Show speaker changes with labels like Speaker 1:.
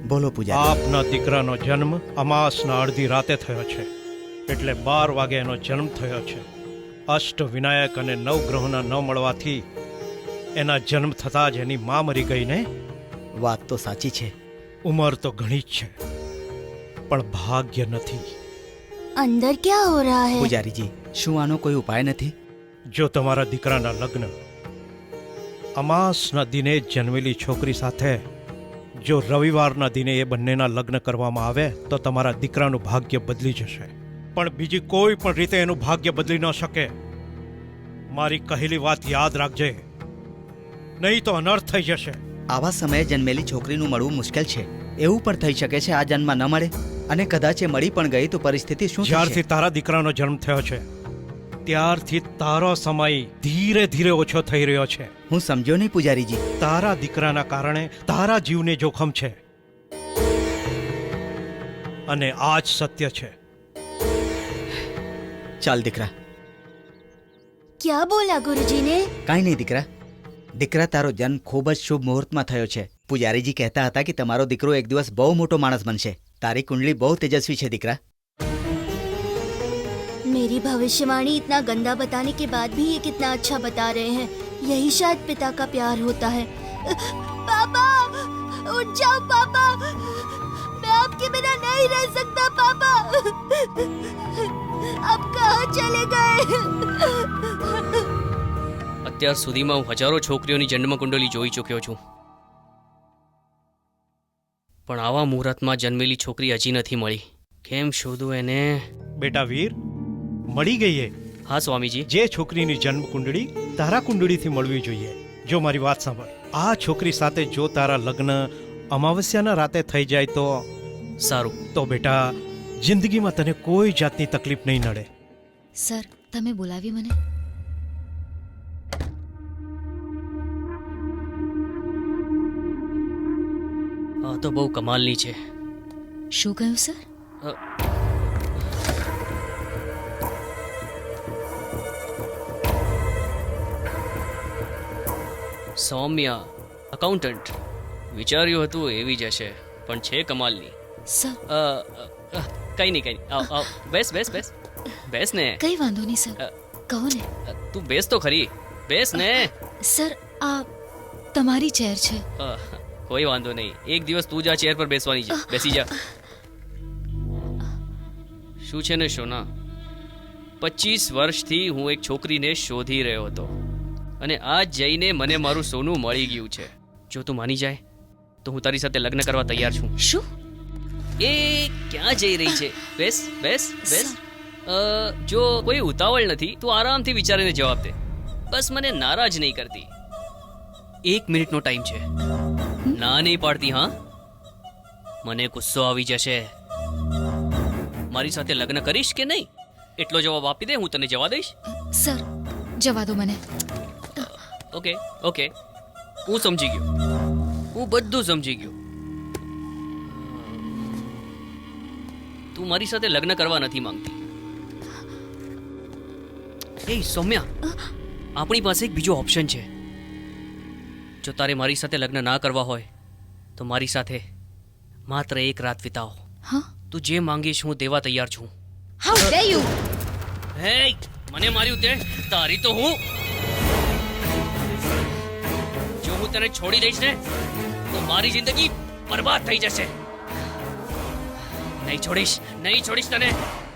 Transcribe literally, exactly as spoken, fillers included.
Speaker 1: બોલો પૂજારી.
Speaker 2: આપના દીકરાનો જન્મ અમાસના અડધી રાતે થયો છે, એટલે બાર વાગે એનો જન્મ થયો છે. અષ્ટ વિનાયક અને નવ ગ્રહોના ન મળવાથી એના જન્મ થતાં જ એની મા મરી ગઈ ને.
Speaker 1: વાત તો સાચી છે.
Speaker 2: ઉંમર તો ઘણી જ છે, પણ ભાગ્ય નથી.
Speaker 3: अंदर क्या हो रहा है?
Speaker 1: પૂજારીજી, શું આનો કોઈ ઉપાય નથી?
Speaker 2: જો તમારા દીકરાના લગ્ન અમાસના દિને જ જન્મેલી છોકરી સાથે જો રવિવારના દિને એ બંનેના લગ્ન કરવામાં આવે તો તમારા દીકરાનું ભાગ્ય બદલી જશે. પણ બીજી કોઈ પણ રીતે એનું ભાગ્ય બદલી ન શકે. મારી કહેલી વાત યાદ રાખજે, નહીં તો અનર્થ થઈ જશે.
Speaker 1: આવા સમયે જન્મેલી છોકરીનું મળવું મુશ્કેલ છે. એવું પણ થઈ શકે છે આ જન્મમાં ન મળે, અને કદાચ એ મળી પણ ગઈ તો પરિસ્થિતિ શું
Speaker 2: જ્યારથી
Speaker 1: થશે?
Speaker 2: તારા દીકરાનો જન્મ થયો છે ત્યારથી તારો સમય ધીરે ધીરે ઓછો થઈ રહ્યો છે.
Speaker 1: હું સમજ્યો નહીં પૂજારીજી.
Speaker 2: તારા દીકરાના કારણે તારા જીવને જોખમ છે, અને આ જ સત્ય છે.
Speaker 1: ચાલ દીકરા.
Speaker 3: क्या बोला गुरुजी ने?
Speaker 1: કાંઈ નહીં દીકરા. દીકરા, તારો જન્મ ખૂબ જ શુભ મુહૂર્તમાં થયો છે. પૂજારીજી કહેતા હતા કે તમારો દીકરો એક દિવસ બહુ મોટો માણસ બનશે. તારી કુંડલી બહુ તેજસ્વી છે દીકરા.
Speaker 3: मेरी भविष्यवाणी इतना गंदा बताने के बाद भी ये कितना अच्छा बता रहे हैं. यही शायद पिता का प्यार होता है. पापा, उठ जाओ पापा. मैं आपके बिना नहीं रह सकता पापा. आप कहाँ चले गए?
Speaker 4: અત્યાર સુધીમાં હું હજારો છોકરીઓની જન્મ કુંડલી જોઈ ચૂક્યો છું, પણ આવા મુહૂર્તમાં જન્મેલી છોકરી હજી નથી મળી. કેમ શોધું એને?
Speaker 2: બેટા વીર, મળી ગઈ એ.
Speaker 4: હા સ્વામીજી.
Speaker 2: જે છોકરીની જન્મ કુંડળી તારા કુંડળીથી મળવી જોઈએ. જો મારી વાત સાંભળ, આ છોકરી સાથે જો તારા લગ્ન અમાવસ્યાના રાતે થઈ જાય તો
Speaker 4: સારું.
Speaker 2: તો બેટા જિંદગીમાં તને કોઈ જાતની તકલીફ નહીં નડે.
Speaker 5: સર, તમે બોલાવી મને?
Speaker 4: આ તો બહુ કમાલની છે.
Speaker 5: શું કહ્યું સર?
Speaker 4: અ, સૌમ્યા અકાઉન્ટન્ટ. વિચાર્યું હતું એવી જ હશે, પણ છે કમાલની.
Speaker 5: સર,
Speaker 4: અ, અ, કઈ નહીં કઈ નહીં. આવ આવ, બેસ બેસ બેસ બેસ ને.
Speaker 5: કઈ વાંધો નહીં સર,
Speaker 4: અ,
Speaker 5: કહો ને.
Speaker 4: અ, તું બેસ તો ખરી. બેસ ને.
Speaker 5: સર, આ તમારી ચેર છે.
Speaker 4: અ, કોઈ વાંધો નહીં. એક દિવસ તું જ આ ચેર પર બેસવાની છે. બેસી જા. શું છે ને શોના, પચીસ વર્ષથી હું એક છોકરીને શોધી રહ્યો હતો, અને આજ જઈને મને મારું સોનું મળી ગયું છે. જો તું માની જાય તો હું તારી સાથે લગ્ન કરવા તૈયાર છું.
Speaker 5: શું?
Speaker 4: એ ક્યાં જઈ રહી છે? બેસ બેસ બેસ. અ, જો કોઈ ઉતાવળ નથી, તું આરામથી વિચારીને જવાબ દે. બસ મને નારાજ નહીં કરતી. એક મિનિટનો ટાઈમ છે. ના નહીં પાડતી? હા, મને ગુસ્સો આવી જશે. મારી સાથે લગ્ન કરીશ કે નહીં એટલો જવાબ આપી દે, હું તને જવા દઈશ.
Speaker 5: સર, જવા દો મને.
Speaker 4: ઓકે ઓકે, હું સમજી ગયો. હું બધું સમજી ગયો. તું મારી સાથે લગ્ન કરવા નથી માંગતી. એ સૌમ્યા, આપણી પાસે એક બીજો ઓપ્શન છે. જો તારે મારી સાથે લગ્ન ના કરવા હોય તો મારી સાથે માત્ર એક રાત વિતાવો.
Speaker 5: હા?
Speaker 4: તું જે માંગીશ હું દેવા તૈયાર છું.
Speaker 5: How dare you!
Speaker 4: હે, મને માર્યું તે તારી તો હું. જો હું તને છોડી દઈશ ને તો મારી જિંદગી બરબાદ થઈ જશે. નહીં છોડીશ, નહીં છોડીશ તને.